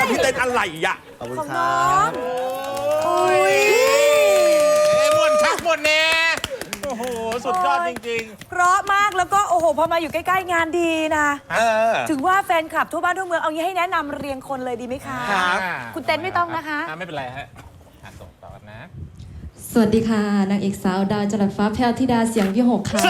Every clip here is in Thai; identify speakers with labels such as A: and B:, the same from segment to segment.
A: พี่เต้นอะไรอ่ะ
B: ขอบคุณ
C: ของ
B: ค
C: น้
B: รั
C: อง
B: บ
C: อุ้ย
A: มวนชักมวนแน่โอ้โห สุดยอดจริง
C: เพราะมากแล้วก็โอ้โหพอมาอยู่ใกล้ๆงานดีนะ
A: ๆ
C: ถึงว่าแฟนคลับทั่วบ้านทั่วเมืองเอางี้ให้แนะนำเรียงคนเลยดีไหมคะ
A: ครับ
C: คุณเต้นไม่ต้องนะคะ
A: ไม่เป็นไรฮะส่งต่อนะ
D: สวัสดีค่ะ นางเอกสาวดาวจรัสฟ้าแพรวธิดาเสียงวิหกค่ะ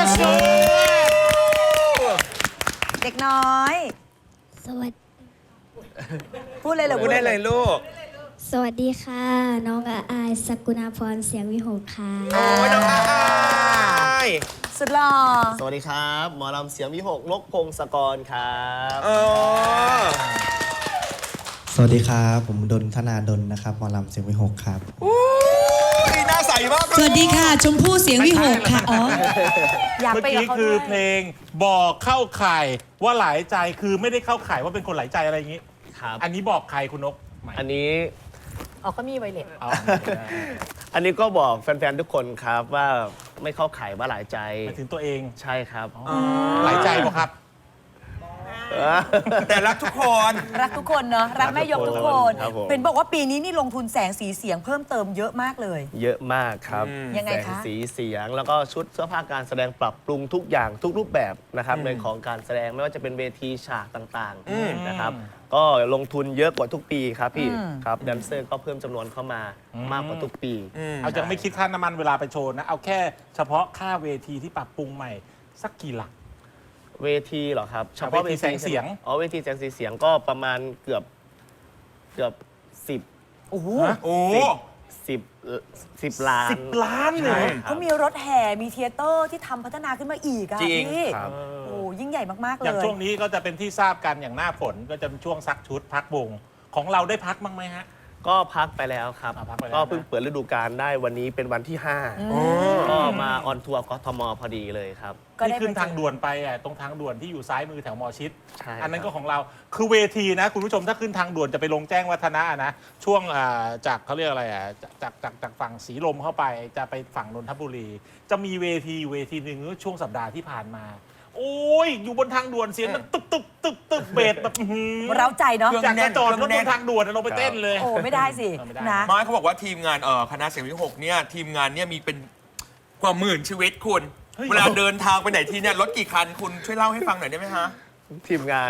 C: เด็กน้อย
E: สวัสดี
C: พูดเลยเหรอ
A: พูดได้เลยลูก
E: สวัสดีค่ะ น้องอายสกุณาพรเสียงวิหกค่ะ
A: โอ้ยน้องอาย
C: สุดหล่อ
B: สวัสดีครับ หมอลำเสียงวิหกนกพงศกรครับ
F: สวัสดีครับ ผมดนธนาดลนะครับหมอลำเสียงวิหกครับ
A: หน้าใสมาก
G: สวัสดีค่ะ ชมพู่เสียงวิหกค่ะ อ๋อ
C: อยาก
A: เมื่อ
C: ไปกับ
A: กี้
C: เขา
A: คื
C: ด้
A: อ
C: วย
A: เพลงบอกเข้าข่ายว่าหลายใจคือไม่ได้เข้าข่ายว่าเป็นคนหลายใจอะไรอย่างนี้
B: ครับ
A: อันนี้บอกใครคุณนกไหม
B: อันนี้
C: อ๋อก็มีไวเลส
A: อ๋อ
B: อันนี้ก็บอกแฟนๆ ทุกคนครับว่าไม่เข้าข่ายว่าหลายใจ
A: หมายถึงตัวเอง
B: ใช่ครับ
A: หลายใจบอกครับ แต่รักทุกคน
C: รักทุกคนเนาะรักแม่ยกทุกคน
B: ครับผม
C: เป็นบอกว่าปีนี้นี่ลงทุนแสงสีเสียงเพิ่มเติมเยอะมากเลย
B: เยอะมากครับ
C: ยังไงคะ
B: แสสีเสียงแล้วก็ชุดเสื้อผ้าการแสดงปรับปรุงทุกอย่างทุกรูปแบบนะครับในของการแสดงไม่ว่าจะเป็นเวทีฉากต่างๆนะครับก็ลงทุนเยอะกว่าทุกปีครับพี่ครับแดนเซอร์ก็เพิ่มจำนวนเข้ามามากกว่าทุกปี
A: เอาจะไม่คิดค่าน้ำมันเวลาไปโชว์นะ เอาแค่เฉพาะค่าเวทีที่ปรับปรุงใหม่ สักกี่หลัก
B: เวทีเหรอครับเฉพาะ
A: เวทีแสงเสียง
B: อ๋อเวทีแสงสีเสียงก็ประมาณเกือบ10
C: โอ้โห
A: โอ้
B: 10 ล้าน
A: 10 ล้านเลย
C: เขามีรถแห่มีเทยเตอร์ที่ทำพัฒนาขึ้นมาอีกอะ
A: จริง
C: พี่
B: ครับ
C: โอ้ยิ่งใหญ่มากๆเล
A: อย่าง
C: ย
A: ช่วงนี้ก็จะเป็นที่ทราบกันอย่างหน้าฝนก็จะเป็นช่วงซักชุดพักวงของเราได้พักบ้างไหมฮะ
B: ก็พักไปแล้วครับ
A: พักไปแล้ว
B: ก็เพิ่งเปิดฤดูกาลได้วันนี้เป็นวันที่ 5ก็มาออนทัวร์กทมพอดีเลยครับ
C: ก็ได้
A: ที่ขึ้น
C: ไปเจอ
A: ทางด่วนไปอ่ะตรงทางด่วนที่อยู่ซ้ายมือแถวมอชิด
B: ใช่
A: อันนั้น
B: ค
A: ก็
B: รับ
A: ของเราคือเวทีนะคุณผู้ชมถ้าขึ้นทางด่วนจะไปลงแจ้งวัฒนะนะช่วงจากเขาเรียกอะไรจากฝั่งสีลมเข้าไปจะไปฝั่งนนทบุรี จะมีเวทีหนึ่งช่วงสัปดาห์ที่ผ่านมา โอ้ยอยู่บนทางด่วนเสียงมันตึกเบสแบบอื้อหือ
C: เร้าใจเนาะ
A: อยากจะจอดรถบนทางด่วนลงไปเต้นเลย
C: โอ้ไม่ได้สิ
A: ไม่ได้
C: นะ
H: ไม่เขาบอกว่าทีมงานคณะเสียงวิหกเนี่ยทีมงานเนี่ยมีเป็นกว่าหมื่นชีวิตคุณ
A: เฮ้ย
H: เวลาเดินทางไปไหนทีเนี่ยรถกี่คันคุณช่วยเล่าให้ฟังหน่อยได้ไหมฮะ
B: ทีมงาน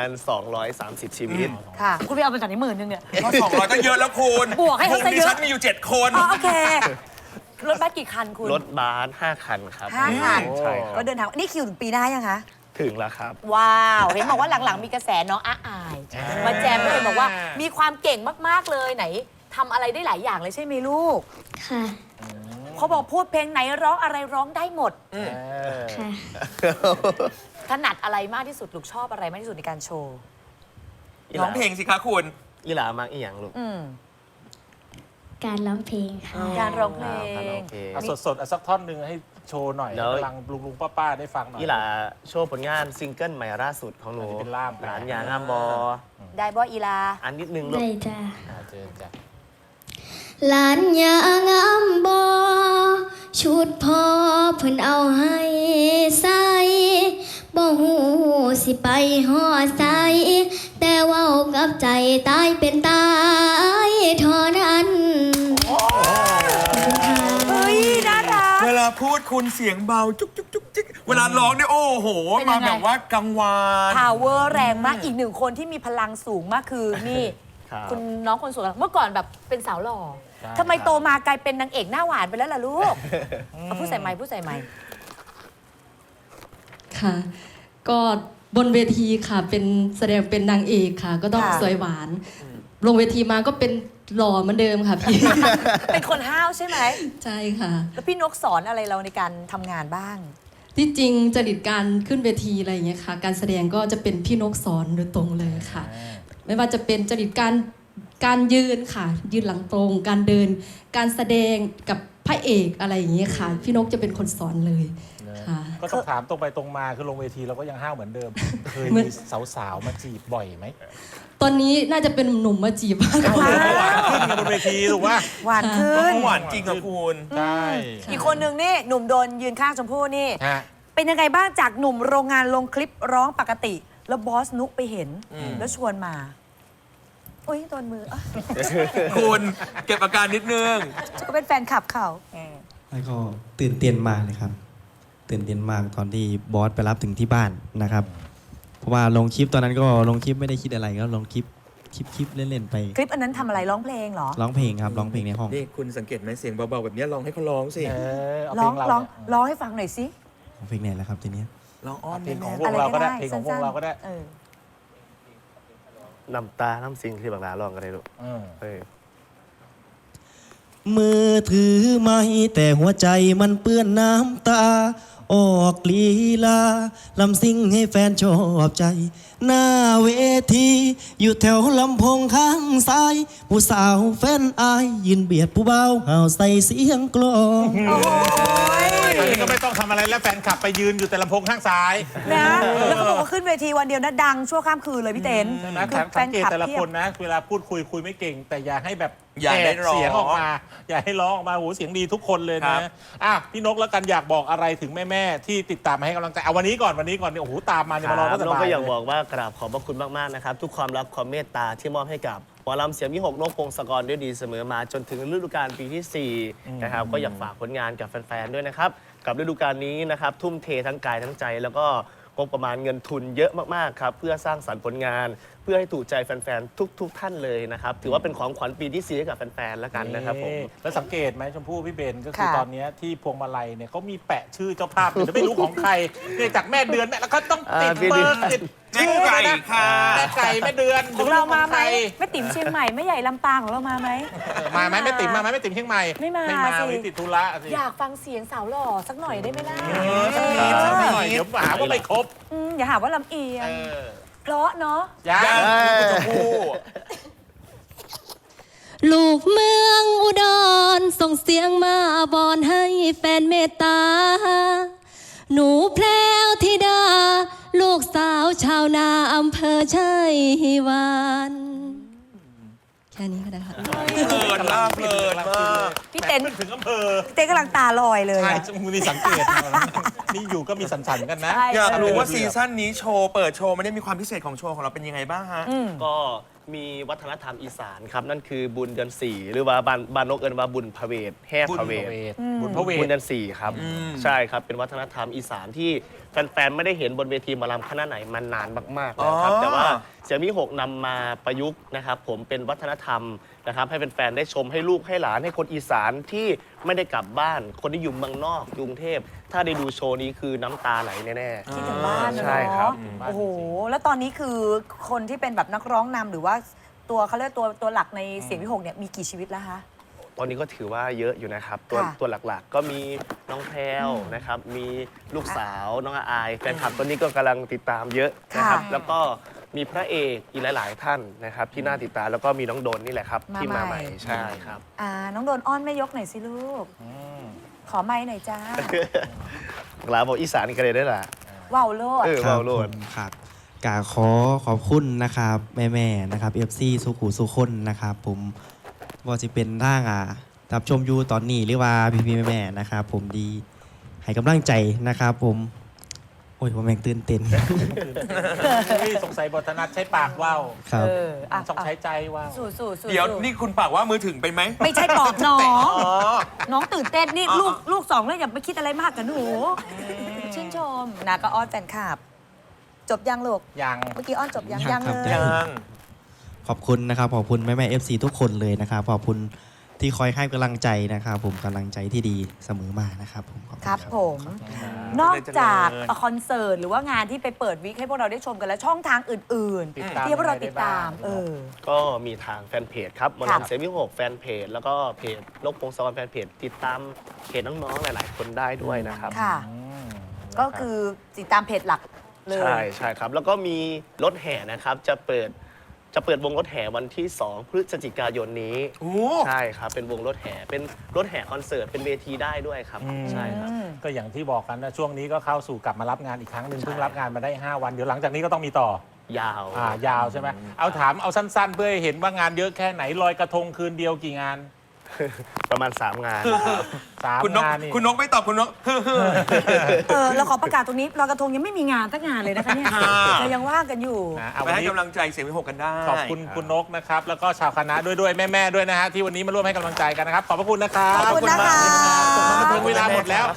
B: 230 ชีวิต
C: ค่ะ คุณไปเอามาจากไหน10,000เนี่ย
H: ก็200ก็เยอะแล้วคุณ
C: บวกให้เขาซะเยอะ
H: ดิฉันมีอยู่ 7 คน
C: อ๋อโอเค รถบัสกี่คันคุณ
B: รถบัส5 คันครับ
C: 5 คัน
B: ใช่ครั
C: ก็
B: บ
C: เดินทางนี่คิวถึงปีหน้ายังคะ
B: ถึงแล้วครับ
C: ว้าว เห็นบอกว่าหลังๆมีกระแสน้องอาย มาแจมเลยบอกว่ามีความเก่งมากๆเลยไหนทำอะไรได้หลายอย่างเลยใช่ไหมลูก
E: ค่ะ
C: เขาบอกพูดเพลงไหนร้องอะไรร้องได้หมด
E: ค่ะ
C: ถนัดอะไรมากที่สุดลูกชอบอะไรมากที่สุดในการโชว์
H: ร้องเพลงสิคะคุณ
B: อีหลามักอีหยังลูก
C: อืม
E: การร้องเพลงค่ะ
C: การร้องเพล
B: การร้
C: ง
B: องเพลง
A: เอาสดๆเอาสักท่อนหนึ่งให้โชว์หน่อย
B: เดี๋ยว
A: กำลังลุงป้าได้ฟังหน่อย
B: อีหลาโชว์ผลงานซิงเกิลใหม่ล่าสุดของหนู
A: อันนี้เป็นล่าม
B: หลานยางามบอ
C: ได้บออีลา
B: อันนิดนึงลูก
E: ได้จ้า
A: เจอจ้ะ
E: หลานยางามบอชุดพอเพิ่นเอาให้ใส่บ่หูสิไปหอดใส่แต่เว่ากับใจตายเป็นตายเท่านั้นขอบคุณค่ะ
C: เฮ้ย น่ารัก
H: เวลาพูดคุณเสียงเบาจุ๊กจุ๊กจุ๊กจิ๊กเวลาร้องเนี่ยโอ้โห
C: เป็นยั
H: มาง
C: ไง
H: แบบว่ากังวาน
C: power แรงมากอีกหนึ่งคนที่มีพลังสูงมากคือนี่
B: ครับ
C: คุณน้องคนสวยเมื่อก่อนแบบเป็นสาวหล่อทำไมโตมากลายเป็นนางเอกหน้าหวานไปแล้วล่ะลูกเอาพูดใส่ไมค์พูดใส่ไมค์
D: ค่ะ ก็บนเวทีค่ะ เป็นแสดงเป็นนางเอกค่ะ ก็ต้องสวยหวาน ลงเวทีมาก็เป็นหล่อเหมือนเดิมค่ะพี่
C: เป็นคนห้าวใช่ไหม
D: ใช่ค่ะ
C: แล้วพี่นกสอนอะไรเราในการทำงานบ้าง
D: ที่จริงจริตการขึ้นเวทีอะไรอย่างเงี้ยค่ะ การแสดงก็จะเป็นพี่นกสอนโดยตรงเลยค่ะ ไม่ว่าจะเป็นจริตการยืนค่ะ ยืนหลังตรง การเดิน การแสดงกับพระเอกอะไรอย่างเงี้ยค่ะ พี่นกจะเป็นคนสอนเลยค่ะ
A: ก็ต้องถามตรงไปตรงมาคือลงเวทีเราก็ยังห้าวเหมือนเดิม เคย
D: เหมื
A: มี
D: อน
A: สาวๆมาจีบบ่อยไหม
D: ตอนนี้น่าจะเป็นหนุ่มมาจีบมากก
A: ห
D: ว่า
A: วานขึ้นกันบนเวทีถูกป่ะ
C: หวานขึ้
H: ก็
C: น
H: หวานจริงอะคุณ
A: ใช่
C: อีกคนหนึ่งนี่หนุ่มโดนยืนข้างชมพู่นี่
A: ฮะ
C: เป็นยังไงบ้างจากหนุ่มโรงงานลงคลิปร้องปกติ แล้วบอสนุกไปเห็น แล้วชวนมาอุ้ยโดนมืออ่ะ
H: คุณเก็บอาการนิดนึง
C: ก็เป็นแฟนคลับเขา
F: แล้วก็ตื่นเต้นมากเลยครับ ตื่นเต้นมากตอนที่บอสไปรับถึงที่บ้านนะครับ เพราะว่าลงคลิปตอนนั้นก็ลงคลิปไม่ได้คิดอะไรก็ลงคลิปเล่นๆไป
C: คลิปอันนั้นทำอะไรร้องเพลงเหรอ
F: ร้องเพลงครับร้องเพลงในห้อง
H: นี่คุณสังเกตไหมเสียงเบาๆแบบนี้ลองให้เขาร้องสิ
A: เอา
C: ร้
A: เพล
C: อง
A: งเรา
C: ร้อง
A: เนี่ย
C: ร้องให้ฟังหน่อยสิ
F: ร้องเพลงไหนแล้วครับทีเนี้ย
H: ลองอ้อน
A: เพลงของ
H: แม่
A: วงเราก็ได้เพลงของวงเราก็ได้
C: เออ
B: น้ำตา น้ำสิงที่บางลาลองกันเลยลูก
A: เออ
B: เออ
F: มือถือไม่แต่หัวใจมันเปื้อนน้ำตา ออกลีลาลำซิ่งให้แฟนชอบใจ หน้าเวทีอยู่แถวลำโพงข้างซ้าย ผู้สาวแฟนอายยืนเบียดผู้เบาห่าวใส่เสียงกลอง
C: โอ้ย
A: อันนี้ก็ไม่ต้องทำอะไรแล้วแฟนคลับไปยืนอยู่แต่ลำโพงข้างซ้าย
C: นะแล้วเขาบอกว่าขึ้นเวทีวันเดียวนะดังชั่วข้ามคืนเลยพี่เต้น
A: ใช่ไหม
C: คือแฟ
A: สั
C: น
A: งเกต
C: คลับ
A: แต่ละ
C: เพีย
A: ค
C: บ
A: นนะ เวลาพูดคุยไม่เก่ง แต่อย่าให้แบบ
H: อย่าได้
A: แหก
H: ร้อง
A: เสียงออกมา อย่าให้ร้องออกมาโหเสียงดีทุกคนเลย
H: ครั
A: นะ
H: บ
A: อ่ะพี่นกแล้วกันอยากบอกอะไรถึงแม่ๆที่ติดตามมาให้กำลังใจเอาวันนี้ก่อนเนี่ยโอ้โหตามมาเนี่ยมารอตั้งแต่
B: น้อง
A: บ่าย
B: ก็อยาก
A: เลย
B: บอกว่ากราบขอบพระคุณมากๆนะครับ ทุกความรักความเมตตาที่มอบให้กับหมอลำเสียงวิหกนกพงศกรด้วยดีเสมอมาจนถึงฤดูกาลปีที่ 4 นะครับก็อยากฝากผลงานกับแฟนๆด้วยนะครับ กับฤดูกาลนี้นะครับทุ่มเททั้งกายทั้งใจ แล้วก็งบประมาณเงินทุนเยอะมากๆครับเพื่อสร้างสรรค์ผลงาน เพื่อให้ถูกใจแฟนๆทุกท่านเลยนะครับถือว่าเป็นของขวัญปีที่ 4 ให้กับแฟนๆแล้วกันนะครับผม
A: แล้วสังเกตไหมชมพู่พี่เบนก็คือ
C: ค่ะ
A: ตอนเนี้ยที่พวงมาลัยเนี่ยเขามีแปะชื่อเจ้าภาพอยู่แต่ไม่รู้ของใครเนี่ยจากแม่เดือนแม่แล้วก็ต้องติด
B: พี่
A: เบ
B: เดื
A: อ
B: อน
A: ร์ติด
H: แม่ไก่ค่ะ
A: แม่ไก่แม่เดือน
C: ของเรามาไหม
A: ใคร
C: แม่ติ๋มเชียงใหม่แม่ใหญ่ลำปางของเรามาไหม
A: มาไหมแม่ติ๋มมาไหมแม่ติ๋มเชียงใหม่
C: ไม่มา
A: ไม่มา
C: สิ
A: วันนี้ติดธุระสิ
C: อยากฟังเสียงสาวหล่อสักหน่อยได้ไหมล่ะ
A: สักนิดสักหน่อยเดี๋ยวหาว่าไม่ครบ
C: อย่าหาว่าลำเอียง
A: เออ
C: เพราะเนาะ
A: ยัง
H: ยัง
A: คุณชมพู่
D: ลูกเมืองอุดรส่งเสียงมาบอนให้แฟนเมตตา หนูแพรวธิดา ลูกสาวชาวนาอำเภอชัยวานแค่นี้ก็ได้ค่ะ
H: เพลินมากเพลินมาก
C: พี่เต้น
A: แหม่ถึงอำเภอ
C: เต้นกำลังตาลอยเลย
A: ใช่
C: อะ
A: มึงมีสังเกตนะนี่อยู่ก็มีสันๆกันนะ
C: ใช่
H: อยากรู้ว่าซีซั่นนี้โชว์เปิดโชว์มันได้มีความพิเศษของโชว์ของเราเป็นยังไงบ้างฮะ
B: ก็มีวัฒนธรรมอีสานครับ นั่นคือบุญเดือน 4 หรือว่าบานนกเอินว่าบุญพระเวทแห่พระเวท
A: บุญพระเว
B: บุญ
A: ท
B: เดือน 4 ครับ ใช่ครับ เป็นวัฒนธรรมอีสานที่แฟนๆ ไม่ได้เห็นบนเวทีหมอลำคณะไหนมานานมากๆแล้วครับ
H: อ๋อ
B: แต่ว่าเสียงวิหกนำมาประยุกต์นะครับผมเป็นวัฒนธรรมนะครับให้แฟนๆ ได้ชมให้ลูกให้หลานให้คนอีสานที่ไม่ได้กลับบ้าน คนที่อยู่เมืองนอกกรุงเทพ ถ้าได้ดูโชว์นี้คือน้ำตาไหลแน่ๆ
C: คิดถึงบ้านนะ
B: ใช่ครั
C: เนาะ
B: บ
C: โอ้โห แล้วตอนนี้คือคนที่เป็นแบบนักร้องนำหรือว่าตัวเขาเรียกตัวหลักในเสียงวิหกเนี่ยมีกี่ชีวิตแล้วคะ
B: ตอนนี้ก็ถือว่าเยอะอยู่นะครับ
C: ค่ะ
B: ตัวหลักๆ ก็มีน้องแพรวนะครับ มีลูกสาวน้องอายแฟนคลับตอนนี้ก็กำลังติดตามเยอะนะครับ
C: ค่ะ
B: แล้วก็มีพระเอกอีกหลาย ๆ ท่านนะครับที่น่าติดตามแล้วก็มีน้องโดนนี่แหละครับ ที่มาใหม่ใช่ครับ
C: น้องโดนอ้อนแม่ยกหน่อยสิลูก ขอไม้หน่อยจ้า
B: หลาบอกอีสานกันเลยได้ล่ะ
C: ว้าวโลด
B: เออ
F: ครั
B: เบาโลด
F: ผมครับกาขอขอบคุณนะครับแม่ๆนะครับ FC สุขุสุคนนะครับผมว่าจะเป็นร่างรับชมอยู่ตอนนี้หรือว่าพี่ๆแม่ๆนะครับผมดีให้กำลังใจนะครับผมโอ้ยผมแม่งตื่นเต้น
A: สงสัยบทนัดใช้ปากว่าว
F: ครับ
A: ต้องใช้ใจว่าว
C: สู้ๆ
H: เดี๋ยวนี่คุณปากว่ามือถึงไปไหม
C: ไม่ใช่ปอบน้อง
H: อ๋อ
C: น้องตื่นเต้นนี่ลูกสองแล้วอย่าไปคิดอะไรมากกับหนู ชื่นชมนะก็อ้อนแฟนคลับ จบยังลูก
A: ยัง
C: เมื่อกี้อ้อนจบยัง
F: ยัง
C: ยัง
F: ครับ
C: เลย
H: ยัง
F: ขอบคุณนะครับขอบคุณแม่ๆ FC ทุกคนเลยนะครับขอบคุณที่คอยให้กำลังใจนะครับผมกำลังใจที่ดีเสมอมานะครับผมขอณ
C: ครับผม นอกจากคอนเสิร์ตหรือว่างานที่ไปเปิดวิกให้พวกเราได้ชมกันแล้วช่องทางอื่น
A: ติดตาม
C: ที่พวกเราติดตาม
A: ยังไงได้บ้าง
B: ก็มีทางแฟนเพจครับหมอ
C: ครับ
B: ลำเสียงวิหกแฟนเพจแล้วก็เพจนกพงศกรแฟนเพจติดตามเพจน้องๆหลาย ๆ คนได้ด้วยนะครับ
C: ค่ะ ก็คือติดตามเพจหลักเลย
B: ใช่ครับ แล้วก็มีรถแห่นะครับ จะเปิดวงรถแห่วันที่ 2 พฤศจิกายนนี้
H: โอ้
B: ใช่ครับ เป็นวงรถแห่เป็นรถแห่คอนเสิร์ตเป็นเวทีได้ด้วยครับ ใช่ครับ
A: ก็อย่างที่บอกกันนะช่วงนี้ก็เข้าสู่กลับมารับงานอีกครั้งหนึ่งเพิ่งรับงานมาได้ 5 วัน เดี๋ยวหลังจากนี้ก็ต้องมีต่อย
B: าว
A: ยาวใช่ไหมเอาถามเอาสั้นๆ เพื่อให้เห็นว่างานเยอะแค่ไหนลอยกระทงคืนเดียวกี่งาน
B: ประมาณ 3 งาน
A: สาม
H: คุณนก
A: งานนี่
H: คุณนกไม่ตอบคุณนก
I: เราขอประกาศตรงนี้ลอยกระทงยังไม่มีงานสักงานเลยนะคะเนี่ย
H: ค่ะ
I: เรายังว่างกันอยู่
A: นะเอา
H: ไป
A: วัน
H: ให้
A: นี้
H: กำลังใจเสียงวิหกกันได้
A: ขอบคุณคุณนกนะครับ แล้วก็ชาวคณะด้วยแม่ๆด้วยนะฮะที่วันนี้มาร่วมให้กำลังใจกันนะครับ ขอบพระคุณนะครับ
I: ขอบคุณนะคะ
A: จบมาบันเทิงเวลาหมดแล้ว